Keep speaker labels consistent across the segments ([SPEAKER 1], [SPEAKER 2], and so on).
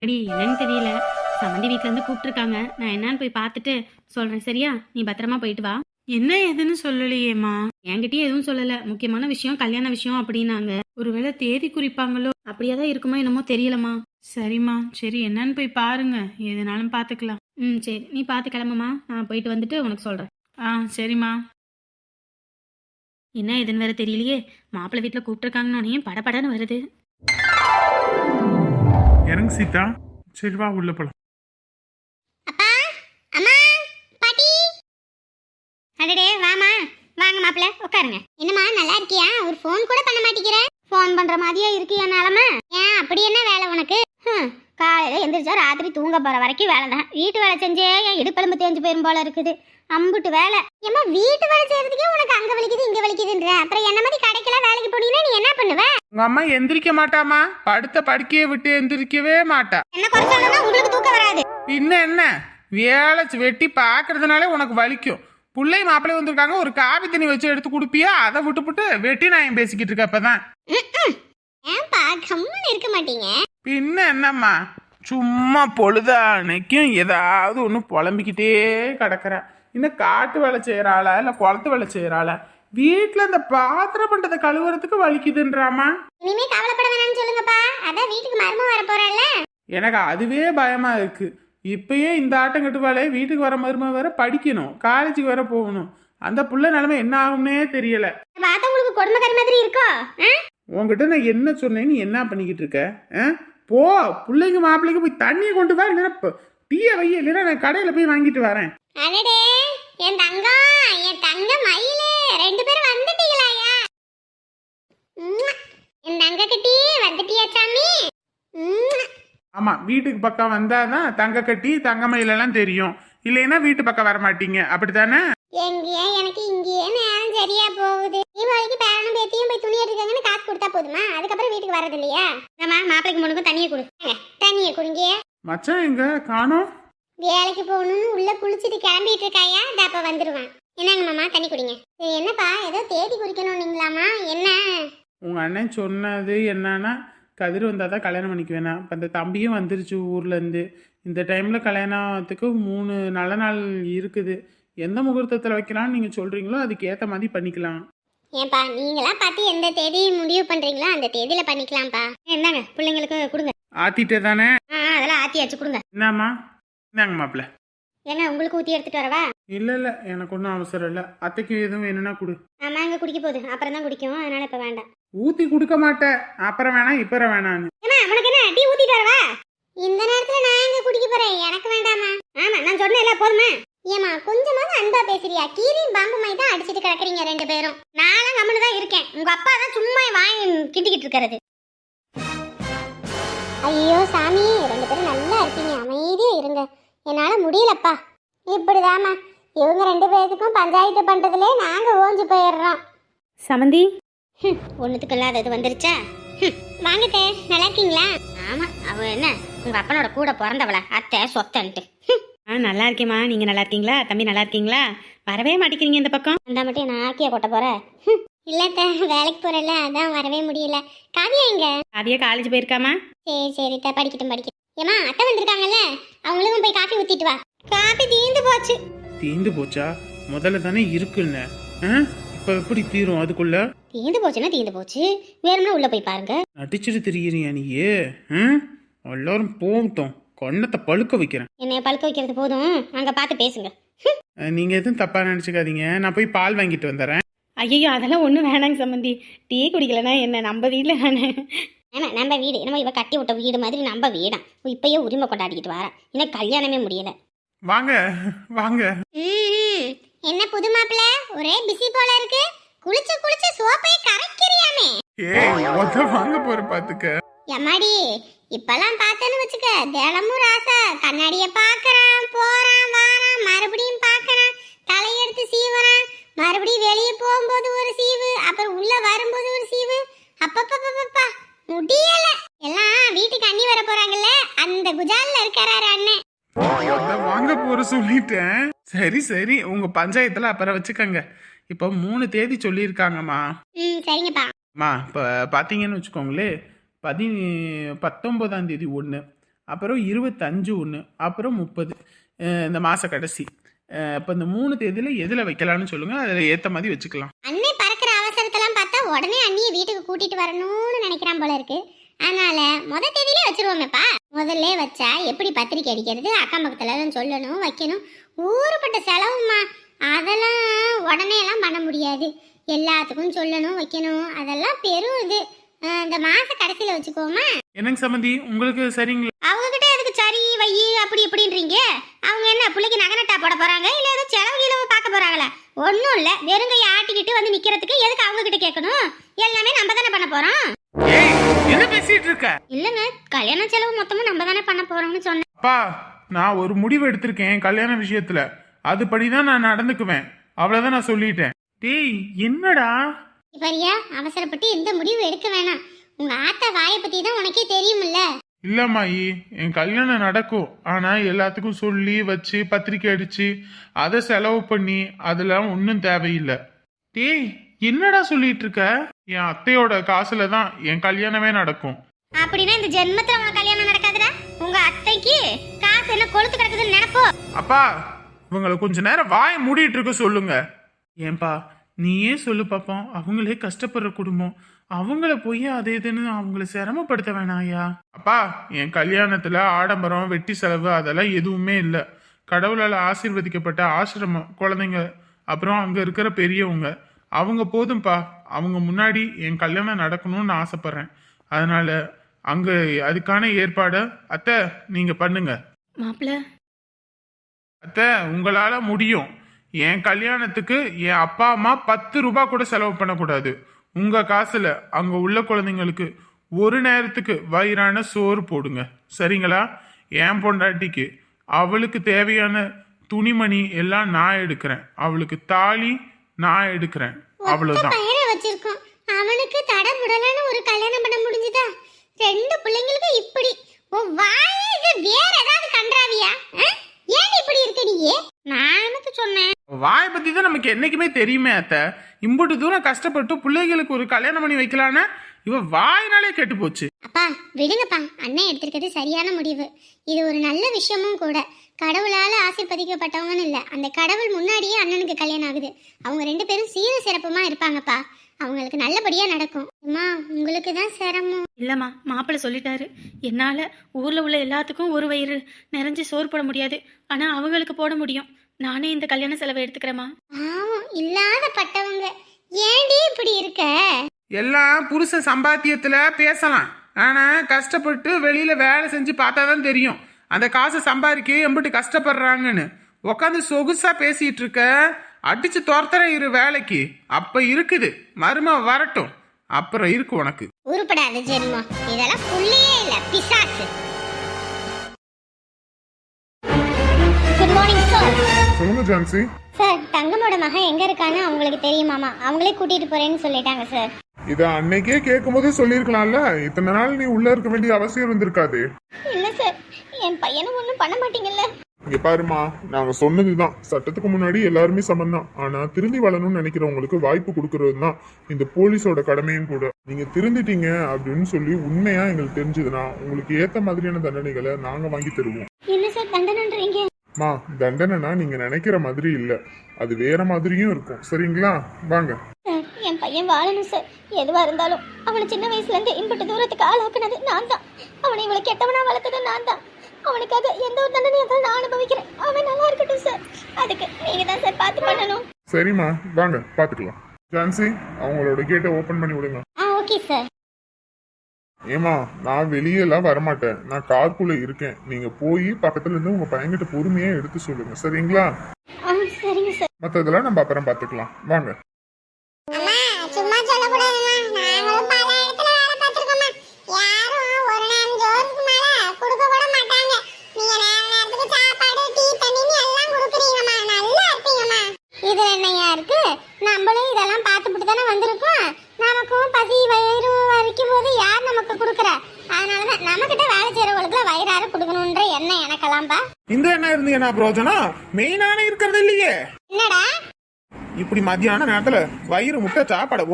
[SPEAKER 1] அடி என்னன்னு தெரியல. சம்மந்தி வீட்ல இருந்து கூப்பிட்டுருக்காங்க. நான் என்னன்னு போய் பார்த்துட்டு சொல்றேன். சரியா? நீ பத்திரமா போயிட்டு வா. என்ன ஏதுன்னு சொல்லலையேம்மா. என்கிட்டயே எதுவும் சொல்லல. முக்கியமான விஷயம் கல்யாண விஷயம் அப்படின்னாங்க. ஒருவேளை தேதி குறிப்பாங்களோ அப்படியே தான் இருக்குமோ என்னமோ தெரியலம்மா. சரிம்மா, சரி என்னன்னு போய் பாருங்க. எதுனாலும் பார்த்துக்கலாம். சரி நீ பார்த்து கிளம்புமா. நான் போயிட்டு வந்துட்டு உனக்கு சொல்றேன். சரிம்மா. என்ன ஏதுன்னு வேற தெரியலையே. மாப்பிள்ளை வீட்டில் கூப்பிட்டுருக்காங்கன்னு படபடன்னு வருது.
[SPEAKER 2] இறங்கு சீதா. சரி வா உள்ள போலாம்.
[SPEAKER 3] அப்பா அம்மா பாட்டி அடடே வாமா. வாங்க மாப்பிள்ள உட்காருங்க. என்னம்மா நல்லா இருக்கியா? ஒரு ஃபோன் கூட பண்ண மாட்டேங்கிற. ஃபோன் பண்ற மாதிரியே இருக்கு என் நிலமை. ஏன் அப்படி என்ன வேலை உனக்கு? காலையில எந்திரிச்சா ராத்திரி தூங்க போற வரைக்கும் வேலை தான். வீட்டு வேலை செஞ்சே என் இடுப்பெலும்பு தேஞ்சு போயிரும் போல இருக்குது. அம்புட்டு வேலை. ஏம்மா வீட்டு வேலை செய்யறதுக்கே உனக்கு அங்க வலிக்குது இங்க வலிக்குதுன்ற, அப்புறம் என்ன மாதிரி கடைக்கெல்லாம் வேலைக்கு போனீங்கன்னா நீ என்ன பண்ணுவ?
[SPEAKER 2] உங்க அம்மா எந்திரிக்க மாட்டாமா. படுத்த படுக்கையை விட்டு எந்திரிக்கவே மாட்டா.
[SPEAKER 3] என்ன குறை சொல்லணும்னா உங்களுக்கு தூக்கம் வராது.
[SPEAKER 2] என்ன வேலை வெட்டி பாக்குறதுனாலே உனக்கு வலிக்கும். பிள்ளை மாப்பிள்ளை வந்திருக்காங்க, ஒரு காபி தண்ணி வச்சு எடுத்து குடுப்பியா? அதை விட்டுப்புட்டு வெட்டி நான் பேசிக்கிட்டு இருக்க. அப்பதான்
[SPEAKER 3] ஏன்பா கம்முன்னு இருக்க மாட்டீங்க?
[SPEAKER 2] பின்ன என்னம்மா, சும்மா பொழுதானைக்கும் ஏதாவது ஒன்று புலம்பிக்கிட்டே கிடக்குற. இன்னும் காட்டு வேலை செய்யறாளா இல்ல குளத்து வேலை செய்யறாளா? வீட்டுல இந்த பாத்திரம் பண்றதை கழுவுறதுக்கு வலிக்குதுன்றாமா.
[SPEAKER 3] இனிமே கவலைப்பட வேணாம்னு சொல்லுங்கப்பா. அதான் வீட்டுக்கு மருமக வர போறல்ல.
[SPEAKER 2] எனக்கு அதுவே பயமா இருக்கு. இப்பயே இந்த ஆட்டம் கட்டுவாளே, வீட்டுக்கு வர மருமக வேற படிக்கணும், காலேஜுக்கு வேற போகணும். அந்த புள்ள நிலைமை என்ன ஆகும்னே தெரியல.
[SPEAKER 3] பார்த்தா உங்களுக்கு கொடுமைக்கார மாதிரி இருக்கோ?
[SPEAKER 2] உன்கிட்ட நான் என்ன சொன்னேன், நீ என்ன பண்ணிக்கிட்டு இருக்க? போ பிள்ளைங்க மாப்பிள்ளைக்கு போய் தண்ணியை கொண்டு வா, இல்லைன்னா டீயை வை, இல்லைன்னா நான் கடையில போய் வாங்கிட்டு வரேன்.
[SPEAKER 3] அடடே என் தங்கம், என் தங்க மயிலே, ரெண்டு பேரும் வந்துட்டீங்களாயா? என் தங்க கட்டி வந்துட்டியா சாமி?
[SPEAKER 2] ஆமா, வீட்டுக்கு பக்கம் வந்தாதான் தங்க கட்டி தங்கமயிலெல்லாம் தெரியும். இல்லைன்னா வீட்டு பக்கம் வர மாட்டீங்க, அப்படித்தானே?
[SPEAKER 3] எங்கேயே எனக்கு இங்கேயே நேரம் சரியா போகுது. தீபாவளிக்கு பேரனும் பேத்தியும் போய் துணி எடுக்காங்கன்னு காசு கொடுத்தா போதுமா? அதுக்கப்புறம் வீட்டுக்கு வரது இல்லையா? ஆமா, மாப்பிளைக்கு முன்னுக்கும் தண்ணியை கொடுங்க. தண்ணியை குடிங்க.
[SPEAKER 2] மச்சான் எங்க காணோம்?
[SPEAKER 3] வேலைக்கு போகணும்னு உள்ள குளிச்சுட்டு கிளம்பிட்டு இருக்காயா? அப்ப வந்துருவான். என்னங்க மாமா தண்ணி குடிங்க. சரி என்னப்பா, ஏதோ தேதி குறிக்கணும்னீங்களாமா? என்ன?
[SPEAKER 2] உங்க அண்ணன் சொன்னது என்னன்னா, கதிர் வந்தாதான் கல்யாணம் பண்ணிக்க வேணாம். இப்போ அந்த தம்பியும் வந்துருச்சு ஊர்ல இருந்து. இந்த டைம்ல கல்யாணத்துக்கு 3 நல்ல நாள் இருக்குது. எந்த முகூர்த்தத்தில் வைக்கலாம்னு நீங்க சொல்றீங்களோ அதுக்கு ஏத்த மாதிரி பண்ணிக்கலாம்.
[SPEAKER 3] ஏன்பா நீங்களா பார்த்து எந்த தேதி முடிவு பண்றீங்களோ அந்த தேதியில பண்ணிக்கலாம்ப்பா. என்னங்க பிள்ளைங்களுக்கு கொடுங்க.
[SPEAKER 2] ஆத்திட்டே தானே?
[SPEAKER 3] அதெல்லாம் ஆத்தியாச்சு கொடுங்க.
[SPEAKER 2] என்னம்மா? இந்தாங்க மாப்பிள்ள.
[SPEAKER 3] ஏங்க உங்களுக்கு ஊத்தி எடுத்துட்டு வரவா?
[SPEAKER 2] இல்ல எனக்கு ஒன்றும் அவசரம் இல்லை. அத்தைக்கு எதுவும் வேணும்னா கொடு.
[SPEAKER 3] ஆமா இங்க குடிக்க போகுது, அப்புறம் தான் குடிக்கும், அதனால இப்ப வேண்டாம்.
[SPEAKER 2] ஊத்தி கொடுக்க மாட்டேன். அப்புறம் வேணாம் இப்பற வேணான்னு.
[SPEAKER 3] ஏமா உனக்கு என்ன டீ ஊத்திட்டு வரவா? இந்த நேரத்துல நான் எங்க குடிக்க போறேன்? எனக்கு வேண்டாமா? ஆமா நான் சொன்னேன்ல போதுமா? ஏமா கொஞ்சமாவது அன்பா பேசுறியா? கீரியும் பாம்பு மாதிரி தான் அடிச்சிட்டு கிடக்குறீங்க ரெண்டு பேரும். நானும் கம்முன்னு தான் இருக்கேன். உங்க அப்பா தான் சும்மா வாங்கி கிட்டிக்கிட்டு இருக்கிறது. ஐயோ சாமி, ரெண்டு பேரும் நல்லா இருப்பீங்க, அமைதியா இருங்க. என்னால முடியலப்பா. இப்படிதாம்மா இவங்க ரெண்டு பேருக்கும் பஞ்சாயத்து பண்றதுலே நாங்க ஓஞ்சு போயிடுறோம்.
[SPEAKER 1] சமந்தி
[SPEAKER 3] ஒண்ணுத்துக்கு இல்லாதது வந்துருச்சா? வாங்கத்தே, நல்லா இருக்கீங்களா? ஆமா, அவ என்ன உங்க அப்பனோட கூட பிறந்தவள அத்தை சொத்தன்ட்டு.
[SPEAKER 1] நல்லா இருக்கேம்மா. நீங்க நல்லா இருக்கீங்களா? தம்பி நல்லா இருக்கீங்களா? வரவே மாட்டேங்கிறீங்க இந்த பக்கம்.
[SPEAKER 3] அந்த மட்டும் நான் ஆக்கிய கொட்ட போற? இல்லத்த வேலைக்கு போறல, அதான் வரவே முடியல. காவியா எங்க?
[SPEAKER 1] காவியா காலேஜ் போயிருக்காமா?
[SPEAKER 3] சரி படிக்கட்டும். ஏமா அத்தை வந்திருக்காங்கல்ல, அவங்களுக்கும் போய் காஃபி ஊத்திட்டு வா. காஃபி தீந்து போச்சு.
[SPEAKER 2] தீந்து போச்சா? முதல்ல தானே இருக்குன்னு. இப்ப எப்படி தீரும் அதுக்குள்ள?
[SPEAKER 3] தீந்து போச்சுன்னா தீந்து போச்சு, வேணும்னா உள்ள போய் பாருங்க.
[SPEAKER 2] நடிச்சிட்டு திரியிறியா நீயே? எல்லாரும் போகட்டும், கண்ணத்தை பழுக்க வைக்கிறேன்.
[SPEAKER 3] என்னைய பழுக்க வைக்கிறது போதும், அங்க பார்த்து பேசுங்க.
[SPEAKER 2] நீங்க எதுவும் தப்பா நினைச்சுக்காதீங்க. நான் போய் பால் வாங்கிட்டு வந்துடுறேன்.
[SPEAKER 1] ஐயோ அதெல்லாம் ஒன்றும் வேணாங்க சம்மந்தி. டீ குடிக்கலன்னா என்ன, நம்ம வீட்டில் தானே.
[SPEAKER 3] ஆமா நம்ம வீடு, என்னமோ இவ கட்டி விட்ட வீடு மாதிரி நம்ம வீடாம். இப்பயே உரிமை கொண்டாடிக்கிட்டு வரா, இன்னும் கல்யாணமே முடியல.
[SPEAKER 2] வாங்க வாங்க.
[SPEAKER 3] என்ன புது மாப்பிள்ள, ஒரே பிஸி போல இருக்கு. குளிச்சு சோப்பை கரைக்கிறியாமே.
[SPEAKER 2] வாங்க போற பாத்துக்க.
[SPEAKER 3] எம்மாடி இப்பெல்லாம் பார்த்தேன்னு வச்சுக்க, தினமும் ராசா கண்ணாடிய பாக்குறான், போறான் வாரான், மறுபடியும் பாக்குறான், தலையெடுத்து சீவறான், மறுபடியும் வெளியே போகும்போது ஒரு சீவு, அப்புறம் உள்ள வரும்போது ஒரு சீவு. அப்பப்பப்பப்பா முடியல. எல்லாம் வீட்டுக்கு அண்ணி வர போறாங்கல்ல, அந்த குஜால்ல இருக்காரு அண்ணன்.
[SPEAKER 2] வாங்க போற சொல்லிட்டேன். சரி உங்க பஞ்சாயத்துல அப்புறம் வச்சுக்கங்க. இப்ப 3 தேதி சொல்லியிருக்காங்கம்மா.
[SPEAKER 3] சரிங்கப்பா.
[SPEAKER 2] இப்ப பாத்தீங்கன்னு வச்சுக்கோங்களே, 19ஆம் தேதி 1, அப்புறம் 25 ஒன்று, அப்புறம் 30 இந்த மாத கடைசி. இப்போ இந்த 3 தேதியில் எதில் வைக்கலான்னு சொல்லுங்கள், அதில் ஏற்ற மாதிரி வச்சுக்கலாம்.
[SPEAKER 3] அண்ணே பறக்கிற அவசரத்தெல்லாம் பார்த்தா உடனே அண்ணியை வீட்டுக்கு கூட்டிட்டு வரணும்னு நினைக்கிறான் போல இருக்கு. அதனால தேதியிலே வச்சிருவோமேப்பா. முதல்ல வச்சா எப்படி பத்திரிக்கை அடிக்கிறது, அக்கம் பக்கத்துல எல்லாம் சொல்லணும் வைக்கணும், ஊருப்பட்ட செலவுமா. அதெல்லாம் உடனே எல்லாம் பண்ண முடியாது. எல்லாத்துக்கும் சொல்லணும் வைக்கணும், அதெல்லாம் பெரும் இது. இந்த மாச கடைசியில வச்சுக்கோமா.
[SPEAKER 2] என்னங்க சம்மந்தி, உங்களுக்கு சரிங்களா?
[SPEAKER 3] அவங்க கிட்ட எதுக்கு சரி வை அப்படி இப்படின்றீங்க? அவங்க என்ன பிள்ளைக்கு நகனட்டா போட போறாங்க, இல்ல ஏதோ செலவு கிழவு பார்க்க போறாங்களா? ஒன்றும் இல்லை, வெறுங்கையை ஆட்டிக்கிட்டு வந்து நிக்கிறதுக்கு எதுக்கு அவங்க கிட்ட கேட்கணும்? எல்லாமே நம்ம தானே பண்ண போறோம்.
[SPEAKER 2] ஏய், என்ன பேசிட்டு இருக்க?
[SPEAKER 3] இல்லங்க, கல்யாண செலவு மொத்தமும் நம்ம தானே பண்ண போறோம்னு சொன்னேன்.
[SPEAKER 2] அப்பா, நான் ஒரு முடிவு எடுத்திருக்கேன் கல்யாண விஷயத்துல. அதுபடிதான் நான் நடந்துக்குவேன். அவ்வளவுதான் நான் சொல்லிட்டேன். டேய், என்னடா
[SPEAKER 3] இப்பரியா அவசரப்பட்டு எந்த முடிவு எடுக்க வேணாம். உங்க ஆத்தா வாயை பத்தி தான் உனக்கே தெரியுமில்ல.
[SPEAKER 2] இல்லம்மாயி, என் கல்யாணம் நடக்கும். ஆனா எல்லாத்துக்கும் சொல்லி வச்சு பத்திரிக்கை அடிச்சு அதை செலவு பண்ணி அதெல்லாம் ஒன்றும் தேவையில்லை. டேய், என்னடா சொல்லிட்டு இருக்க? என் அத்தையோட காசுல தான் என் கல்யாணமே நடக்கும்.
[SPEAKER 3] அப்படின்னா இந்த ஜென்மத்துல உங்க கல்யாணம் நடக்காதுடா. உங்க அத்தைக்கு காசு என்ன கொளுத்து கிடக்குதுன்னு நினைப்போ.
[SPEAKER 2] அப்பா, இவங்களை கொஞ்ச நேரம் வாயை மூடிட்டு இருக்க சொல்லுங்க. ஏன்பா, நீயே சொல்லு பாப்போம். அவங்களே கஷ்டப்படுற குடும்பம், அவங்கள போய் அது இதுன்னு அவங்கள சிரமப்படுத்த வேணாயா? அப்பா, என் கல்யாணத்துல ஆடம்பரம் வெட்டி செலவு அதெல்லாம் எதுவுமே இல்லை. கடவுளால் ஆசீர்வதிக்கப்பட்ட ஆசிரமம் குழந்தைங்க, அப்புறம் அங்க இருக்கிற பெரியவங்க, அவங்க போதும்பா. அவங்க முன்னாடி என் கல்யாணம் நடக்கணும்னு ஆசைப்படுறேன். அதனால அங்க அதுக்கான ஏற்பாட அத்தை நீங்க பண்ணுங்க.
[SPEAKER 1] மாப்பிள்ள,
[SPEAKER 2] அத்தை, உங்களால முடியும். என் கல்யாணத்துக்கு என் அப்பா அம்மா 10 ரூபாய் கூட செலவு பண்ணக்கூடாது. உங்க காசுல அங்க உள்ள குழந்தைங்களுக்கு ஒரு நேரத்துக்கு வயிறான சோறு போடுங்க, சரிங்களா? என் பொண்டாட்டிக்கு அவளுக்கு தேவையான துணிமணி எல்லாம் நான் எடுக்கிறேன். அவளுக்கு தாலி நான் எடுக்கிறேன். அவ்வளவுதான்.
[SPEAKER 3] பையனை வச்சிருக்கோம், அவனுக்கு தடமுடலான ஒரு கல்யாணம் பண்ண முடிஞ்சுதா? 2 பிள்ளைங்களுக்கு இப்படி உன் வாயே இது வேற ஏதாவது கன்றாவியா? ஏன் இப்படி இருக்க நீயே? நான் என்னது சொன்னேன்?
[SPEAKER 2] வாயை பத்தி தான் நமக்கு என்னைக்குமே தெரியுமே அத்தை. இம்புட்டு தூரம் கஷ்டப்பட்டு பிள்ளைகளுக்கு ஒரு கல்யாணம் பண்ணி வைக்கலான்னா இவ வாயினாலே கெட்டு போச்சு.
[SPEAKER 3] அப்பா விடுங்கப்பா, அண்ணன் எடுத்திருக்கிறது சரியான முடிவு. இது ஒரு நல்ல விஷயமும் கூட. கடவுளால ஆசீர்வதிக்கப்பட்டவங்கன்னு இல்லை, அந்த கடவுள் முன்னாடியே அண்ணனுக்கு கல்யாணம் ஆகுது. அவங்க 2 பேரும் சீர சிறப்புமா இருப்பாங்கப்பா. அவங்களுக்கு நல்லபடியா நடக்கும். அம்மா, உங்களுக்கு தான் சிரமம்.
[SPEAKER 1] இல்லைம்மா, மாப்பிள்ளை சொல்லிட்டாரு. என்னால் ஊரில் உள்ள எல்லாத்துக்கும் ஒரு வயிறு நிறைஞ்சு சோறு போட முடியாது, ஆனால் அவங்களுக்கு போட முடியும். நானே இந்த கல்யாண செலவை எடுத்துக்கிறேம்மா.
[SPEAKER 3] பாவம் இல்லாத பட்டவங்க, ஏண்டி இப்படி இருக்க?
[SPEAKER 2] எல்லாம் புருஷ சம்பாத்தியத்துல பேசலாம், ஆனா கஷ்டப்பட்டு வெளியில வேலை செஞ்சு பார்த்தாதான் தெரியும் அந்த காசை சம்பாதிக்க எம்பிட்டு கஷ்டப்படுறாங்கன்னு. உட்காந்து சொகுசா பேசிட்டு இருக்க, அடிச்சு துரத்துற இரு வேலைக்கு. அப்ப இருக்குது, மரும வரட்டும், அப்புறம் இருக்கு உனக்கு.
[SPEAKER 3] உருப்படாத ஜென்மம், இதெல்லாம் புள்ளியே இல்ல, பிசாசு. Good morning sir.
[SPEAKER 4] சொல்லுங்க ஜான்சி.
[SPEAKER 3] சார், தங்கமோட மகன் எங்க இருக்கான்னு அவங்களுக்கு தெரியுமாமா? அவங்களே கூட்டிட்டு போறேன்னு சொல்லிட்டாங்க சார்.
[SPEAKER 4] இத அன்னைக்கே கேட்கும் போதே சொல்லிருக்கலாம்ல. இத்தனை நாள் நீ உள்ள இருக்க வேண்டிய அவசியம் இருந்திருக்காது.
[SPEAKER 3] இல்ல சார், என் பையனும் ஒண்ணும் பண்ண மாட்டீங்கல்ல.
[SPEAKER 4] இங்க பாருமா, நாங்க சொன்னதுதான், சட்டத்துக்கு முன்னாடி எல்லாருமே சமம் தான். ஆனா திருந்தி வாழணும்னு நினைக்கிறவங்களுக்கு வாய்ப்பு கொடுக்கறது தான் இந்த போலீஸோட கடமையும் கூட. நீங்க திருந்திட்டீங்க அப்படின்னு சொல்லி உண்மையா எங்களுக்கு தெரிஞ்சதுன்னா உங்களுக்கு ஏத்த மாதிரியான தண்டனைகளை நாங்க வாங்கி தருவோம்.
[SPEAKER 3] என்ன சார் தண்டனைன்றீங்க?
[SPEAKER 4] மா, தண்டனைனா நீங்க நினைக்கிற மாதிரி இல்ல, அது வேற மாதிரியும் இருக்கும், சரிங்களா? வாங்க.
[SPEAKER 3] சார், என் பையன் வாழணும் சார். எதுவா இருந்தாலும் அவனை சின்ன வயசுல இருந்து இம்பட்டு தூரத்துக்கு ஆளாக்குனது நான் தான். அவனை இவ்வளவு கெட்டவனா வளர்த்தது நான் தான். அவனுக்காக எந்த ஒரு தண்டனையும் நான் அனுபவிக்கிறேன். அவன் நல்லா இருக்கட்டும் சார். அதுக்கு நீங்க தான் சார் பார்த்து பண்ணணும்.
[SPEAKER 4] சரிம்மா, வாங்க பாத்துக்கலாம். ஜான்சி, அவங்களோட கேட்டை ஓபன் பண்ணி விடுங்க.
[SPEAKER 3] Okay sir.
[SPEAKER 4] ஏமா, நான் வெளியெல்லாம் வரமாட்டேன், நான் காருக்குள்ள இருக்கேன். நீங்க போய் பக்கத்துல இருந்து உங்க பையன்கிட்ட பொறுமையா எடுத்து சொல்லுங்க, சரிங்களா?
[SPEAKER 3] சரிங்க சார்.
[SPEAKER 4] மத்ததெல்லாம் நம்ம அப்புறம் பாத்துக்கலாம், வாங்க.
[SPEAKER 3] அம்மா, சும்மா சொல்லக்கூடாதும்மா. நாங்களும் பல இடத்துல வேலை பார்த்திருக்கோம்மா. யாரும் ஒரு நேரம் ஜோருக்கு மேல கொடுக்க கூட மாட்டாங்க. நீங்க நேரத்துக்கு சாப்பாடு, டீ, தண்ணின்னு எல்லாம் கொடுக்குறீங்கம்மா. நல்லா இருப்பீங்கம்மா. இதுல என்னையா இருக்கு? நம்மளும் இதெல்லாம் பார்த்துட்டு தானே வந்திருக்கோம். நமக்கும் பசி வயிறு வரைக்கும் போது யார் நமக்கு கொடுக்குறா? அதனாலதான் நம்மகிட்ட வேலை செய்யறவங்களுக்கு வயிறார கொடுக்கணும்ன்ற எண்ணம் எனக்கெல்லாம்பா.
[SPEAKER 2] இந்த என்ன இருந்து என்ன பிரயோஜனம்? மெயினான இருக்கிறது இல்லையே.
[SPEAKER 3] என்னடா
[SPEAKER 2] இப்படி மத்தியான நேரத்துல வயிறு முட்டை சாப்பாடை போட்டு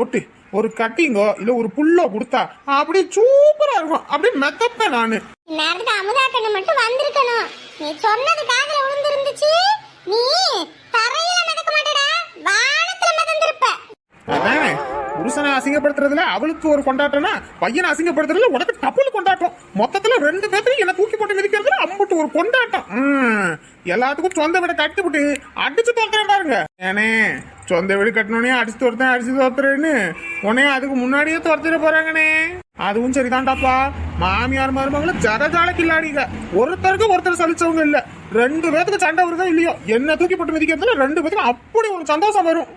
[SPEAKER 2] ஒரு கட்டிங்கோ இல்ல ஒரு புல்லோ கொடுத்தா அப்படியே சூப்பரா இருக்கும். அப்படியே மெத்தப்பேன் நானு.
[SPEAKER 3] நேரத்துக்கு அமுதாட்டன்னு மட்டும் வந்திருக்கணும். நீ சொன்னது காதுல விழுந்திருந்துச்சு. நீ தரையில மிதக்க மாட்டடா, வானத்துல மிதந்திருப்ப.
[SPEAKER 2] அதானே புருஷனை அசிங்கப்படுத்துறதுல அவளுக்கு ஒரு கொண்டாட்டம்னா, பையனை அசிங்கப்படுத்துறதுல உனக்கு டப்புல கொண்டாட்டம். மொத்தத்துல 2 பேர்த்தையும் என்ன தூக்கி போட்டு மிதிக்கிறதுல அம்புட்டு ஒரு கொண்டாட்டம். எல்லாத்துக்கும் சொந்த வீட கட்டி விட்டு அடிச்சு தோத்துறேன் பாருங்க. ஏனே சொந்த வீடு கட்டணுனே அடிச்சு தோர்த்தேன் அடிச்சு தோத்துறேன்னு உடனே அதுக்கு முன்னாடியே துரத்திட போறாங்கண்ணே. அதுவும் சரிதான்டாப்பா. மாமியார் மருமகளும் ஜரஜால கில்லாடிங்க. ஒருத்தருக்கு ஒருத்தர் சலிச்சவங்க இல்ல. 2 பேத்துக்கு சண்டை வருதோ இல்லையோ, என்ன தூக்கி போட்டு மிதிக்கிறதுல 2 பேத்துக்கும் அப்படி ஒரு சந்தோஷம் வரும்.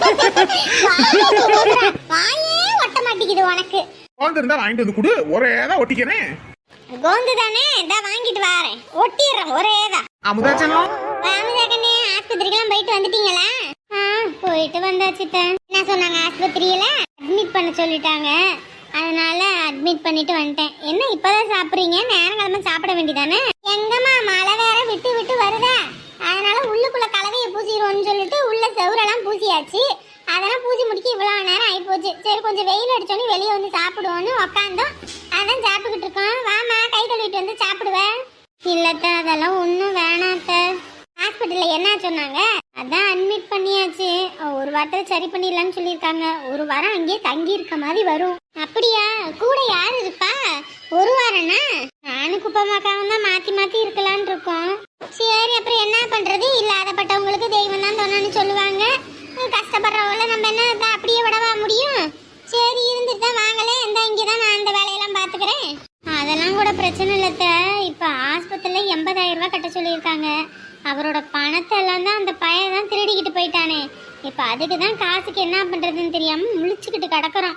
[SPEAKER 3] வாயே ஒட்ட மாட்டேங்குது உனக்கு.
[SPEAKER 2] கோந்து இருந்தா வாங்கிட்டு வந்து கொடு, ஒரே தான் ஒட்டிக்கிறேன்.
[SPEAKER 3] கோந்து தானே, இந்தா வாங்கிட்டு வாரேன், ஒட்டிடுறேன் ஒரேதான்.
[SPEAKER 2] அமுதாச்சலம்
[SPEAKER 3] அமுதாக்கண்ணே, ஆஸ்பத்திரிக்கெல்லாம் போயிட்டு வந்துட்டீங்களா? போயிட்டு வந்தாச்சுட்டேன். என்ன சொன்னாங்க ஆஸ்பத்திரியில? அட்மிட் பண்ண சொல்லிட்டாங்க. அதனால அட்மிட் பண்ணிட்டு வந்துட்டேன். என்ன இப்பதான் சாப்பிடுறீங்க? நேரங்கிழமை சாப்பிட வேண்டியதானே? எங்கம்மா மழை வேற விட்டு விட்டு வருதா, அதனால உள்ளுக்குள்ள கலவையை பூசிடுவோம்னு சொல்லிட்டு உள்ள செவுரெல்லாம் பூசியாச்சு. அதெல்லாம் பூசி முடிக்க இவ்வளவு நேரம் ஆகி போச்சு. சரி கொஞ்சம் வெயில் அடிச்சோன்னு வெளியே வந்து சாப்பிடுவோன்னு உக்காந்தோம். அதான் சாப்பிட்டுக்கிட்டு இருக்கோம். வாமா கை கழுவிட்டு வந்து சாப்பிடுவேன். இல்லத்த அதெல்லாம் ஒன்றும் வேணாத்த. ஹாஸ்பிட்டல்ல என்ன சொன்னாங்க? அதான் அட்மிட் பண்ணியாச்சு. ஒரு வாரத்தில் சரி பண்ணிடலான்னு சொல்லியிருக்காங்க. ஒரு வாரம் அங்கேயே தங்கி இருக்க மாதிரி வரும். அப்படியா? கூட யார் இருப்பா? ஒரு வாரம்னா நானும் குப்பமாக்காவும் தான் மாத்தி மாத்தி இருக்கலான் இருக்கோம். சரி அப்புறம் என்ன பண்றது? இல்லாதப்பட்டவங்களுக்கு தெய்வம் தான் தோணுன்னு சொல்லுவாங்க. கஷ்டப்படுறவங்கள நம்ம என்ன அப்படியே விடவா முடியும்? சரி இருந்துட்டு தான் வாங்கலே, இந்த இங்கேதான் நான் அந்த வேலையெல்லாம் பாத்துக்கிறேன். அதெல்லாம் கூட பிரச்சனை இல்லத்த. இப்ப ஆஸ்பத்திரியில 80,000 ரூபாய் கட்ட சொல்லியிருக்காங்க. அவரோட பணத்தை எல்லாம் தான் அந்த பையன் தான் திருடிக்கிட்டு போயிட்டானே. இப்ப அதுக்கு தான் காசுக்கு என்ன பண்றதுன்னு தெரியாம முழிச்சுக்கிட்டு கிடக்குறோம்.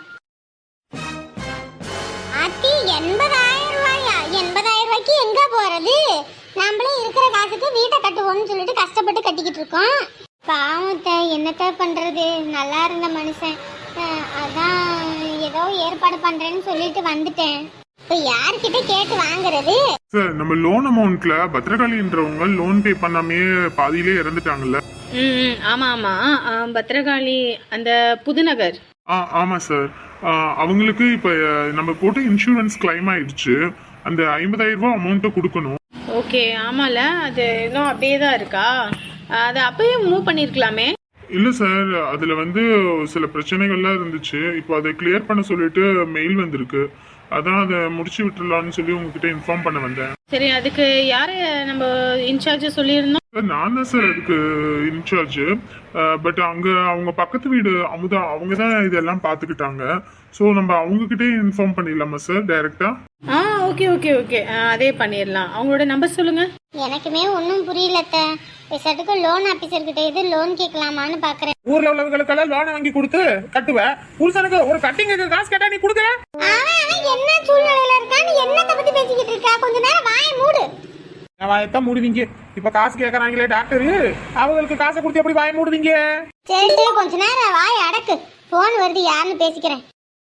[SPEAKER 3] அத்தி 80,000 ரூபாயா? 80,000 ரூபாய்க்கு எங்க போறது? நம்மளே இருக்கிற காசுக்கு வீட்டை கட்டுவோம்னு சொல்லிட்டு கஷ்டப்பட்டு கட்டிக்கிட்டு இருக்கோம். பாவத்தை என்னத்த பண்றது? நல்லா இருந்த மனுஷன். அதான் ஏதோ ஏற்பாடு பண்றேன்னு சொல்லிட்டு வந்துட்டேன். இப்ப யார்கிட்ட கேட்டு வாங்குறது?
[SPEAKER 4] சார் நம்ம லோன் அமௌண்ட்ல பத்திரகாளின்றவங்க லோன் பே பண்ணாமே பாதியிலே இறந்துட்டாங்கல்ல.
[SPEAKER 1] ஆமா ஆமா, பத்திரகாளி அந்த புதுநகர்.
[SPEAKER 4] ஆமா சார். அவங்களுக்கு இப்ப நம்ம போட்டு இன்சூரன்ஸ் கிளைம் ஆயிடுச்சு. அந்த 50,000 ரூபாய் அமௌண்ட்டை கொடுக்கணும்.
[SPEAKER 1] ஓகே, ஆமால அது இன்னும் அப்படியே தான் இருக்கா? அதை அப்பயே மூவ் பண்ணிருக்கலாமே.
[SPEAKER 4] இல்ல சார், அதுல சில பிரச்சனைகள்லாம் இருந்துச்சு. இப்போ அதை கிளியர் பண்ண சொல்லிட்டு மெயில் வந்திருக்கு. அதான் அதை முடிச்சு விட்டுலாம்னு சொல்லி உங்ககிட்ட இன்ஃபார்ம் பண்ண வந்தேன்.
[SPEAKER 1] சரி, அதுக்கு யாரு நம்ம இன்சார்ஜ் சொல்லியிருந்தோம்?
[SPEAKER 4] நான் தான் சார் அதுக்கு இன்சார்ஜ். பட் அங்க அவங்க பக்கத்து வீடு அமுதா அவங்க தான் இதெல்லாம் பார்த்துக்கிட்டாங்க. ஸோ நம்ம அவங்ககிட்டே இன்ஃபார்ம் பண்ணிடலாமா சார் டைரக்டா?
[SPEAKER 1] ஓகே ஓகே ஓகே, அதே பண்ணிடலாம். அவங்களோட நம்பர் சொல்லுங்க.
[SPEAKER 3] எனக்குமே ஒன்றும் புரியலத்த. பேசாட்டுக்கு லோன் ஆபீசர்கிட்ட இது லோன் கேட்கலாமான்னு பாக்குறேன்.
[SPEAKER 2] ஊர்ல உள்ளவங்களுக்கெல்லாம் லோனை வாங்கி கொடுத்து கட்டுவேன். புருஷனுக்கு ஒரு கட்டிங்க காசு கேட்டா நீ கொடுக்குற?
[SPEAKER 3] அவன் என்ன சூழ்நிலையில இருக்கான்னு என்னத்தை பத்தி பேசிக்கிட்டு இருக்கா? கொஞ்ச நேரம் வாயை மூடு.
[SPEAKER 2] வாயத்தான் மூடுவீங்க. இப்ப காசு கேட்கறாங்களே டாக்டர், அவங்களுக்கு காசை கொடுத்து எப்படி வாய மூடுவீங்க?
[SPEAKER 3] சரி சரி கொஞ்ச நேரம் வாயை அடக்கு. போன் வருது, யாருன்னு பேசிக்கிறேன்.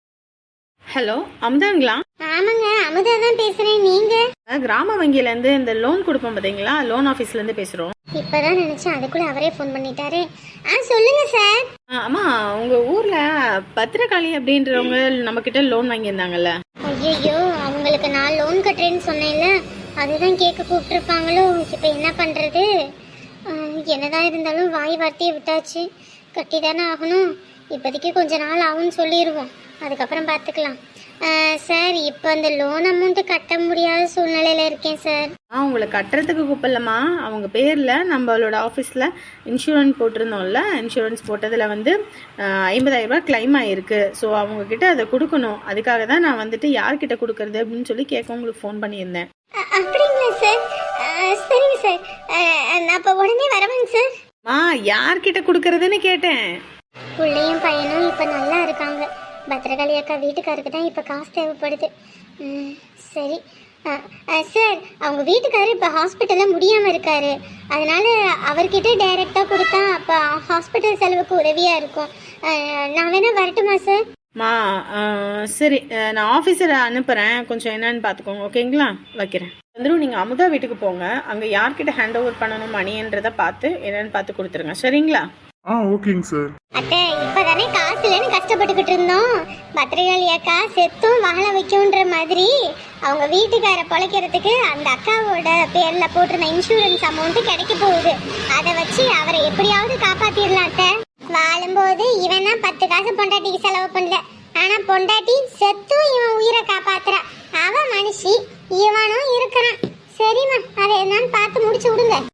[SPEAKER 1] ஹலோ, அமுதாங்களா?
[SPEAKER 3] ஆமாங்க, அமுதா தான் பேசுறேன். நீங்க?
[SPEAKER 1] கிராம வங்கியில இருந்து இந்த லோன் கொடுப்போம் பாத்தீங்களா, லோன் ஆபீஸ்ல இருந்து பேசுறோம்.
[SPEAKER 3] இப்பதான் நினைச்சேன், அதுக்குள்ள அவரே போன் பண்ணிட்டாரு. சொல்லுங்க சார்.
[SPEAKER 1] ஆமா, உங்க ஊர்ல பத்திரகாளி அப்படின்றவங்க நம்ம கிட்ட லோன் வாங்கியிருந்தாங்கல்ல.
[SPEAKER 3] ஐயோ, அவங்களுக்கு நான் லோன் கட்டுறேன்னு சொன்னேன்ல, அதுதான் கேட்க கூப்பிட்டுருப்பாங்களோ. இப்ப என்ன பண்றது? என்னதான் இருந்தாலும் வாய் வார்த்தையை விட்டாச்சு, கட்டி தானே ஆகணும். இப்போதைக்கு கொஞ்ச நாள் ஆகும்னு சொல்லிடுவோம், அதுக்கப்புறம் பார்த்துக்கலாம். சார், இப்போ அந்த லோன் அமௌண்ட்டு கட்ட முடியாத சூழ்நிலையில் இருக்கேன் சார்.
[SPEAKER 1] உங்களை கட்டுறதுக்கு கூப்பிடலாமா? அவங்க பேரில் நம்மளோட ஆஃபீஸில் இன்சூரன்ஸ் போட்டிருந்தோம்ல, இன்சூரன்ஸ் போட்டதில் 50,000 ரூபாய் கிளைம் ஆகிருக்கு. ஸோ அவங்கக்கிட்ட அதை கொடுக்கணும். அதுக்காக தான் நான் யார்கிட்ட கொடுக்கறது அப்படின்னு சொல்லி கேட்க உங்களுக்கு ஃபோன் பண்ணியிருந்தேன்.
[SPEAKER 3] அப்படிங்களா சார்? சரிங்க சார், நான் இப்போ உடனே வரவேங்க சார்.
[SPEAKER 1] யார்கிட்ட கொடுக்கறதுன்னு கேட்டேன்.
[SPEAKER 3] பிள்ளையும் பையனும் இப்போ நல்லா இருக்காங்க. பத்திரகாளி அக்கா வீட்டுக்காருக்கு தான் இப்போ காசு தேவைப்படுது. சரி சார், அவங்க வீட்டுக்காரர் இப்போ ஹாஸ்பிட்டலில் முடியாமல் இருக்காரு. அதனால அவர்கிட்ட டைரெக்டாக கொடுத்தா அப்போ ஹாஸ்பிட்டல் செலவுக்கு உதவியாக இருக்கும். நான் வேணா வரட்டுமா சார்?
[SPEAKER 1] சரி, நான் ஆஃபீஸரை அனுப்புகிறேன். கொஞ்சம் என்னன்னு பார்த்துக்கோங்க, ஓகேங்களா? வைக்கிறேன். நீங்கள் அமுதா வீட்டுக்கு போங்க. அங்கே யார்கிட்ட ஹேண்ட் ஓவர் பண்ணணும் மணின்றதை பார்த்து என்னன்னு பார்த்து கொடுத்துருங்க, சரிங்களா?
[SPEAKER 4] ஓகேங்க சார்.
[SPEAKER 3] அத்தை இப்பதானே காசு இல்லைன்னு கஷ்டப்பட்டுக்கிட்டு இருந்தோம். பத்திரிகாளி அக்கா செத்தும் வாழ வைக்கும்ன்ற மாதிரி அவங்க வீட்டுக்கார பொழைக்கிறதுக்கு அந்த அக்காவோட பேர்ல போட்டிருந்த இன்சூரன்ஸ் அமௌண்ட் கிடைக்க போகுது. அதை வச்சு அவரை எப்படியாவது காப்பாத்திடலாம் அத்தை. வாழும்போது இவன் தான் 10 காசு பொண்டாட்டிக்கு செலவு பண்ணல. ஆனா பொண்டாட்டி செத்தும் இவன் உயிரை காப்பாத்துறா. அவன் மனுஷி, இவனும் இருக்கிறான். சரிம்மா, அதை என்னன்னு பார்த்து முடிச்சு விடுங்க.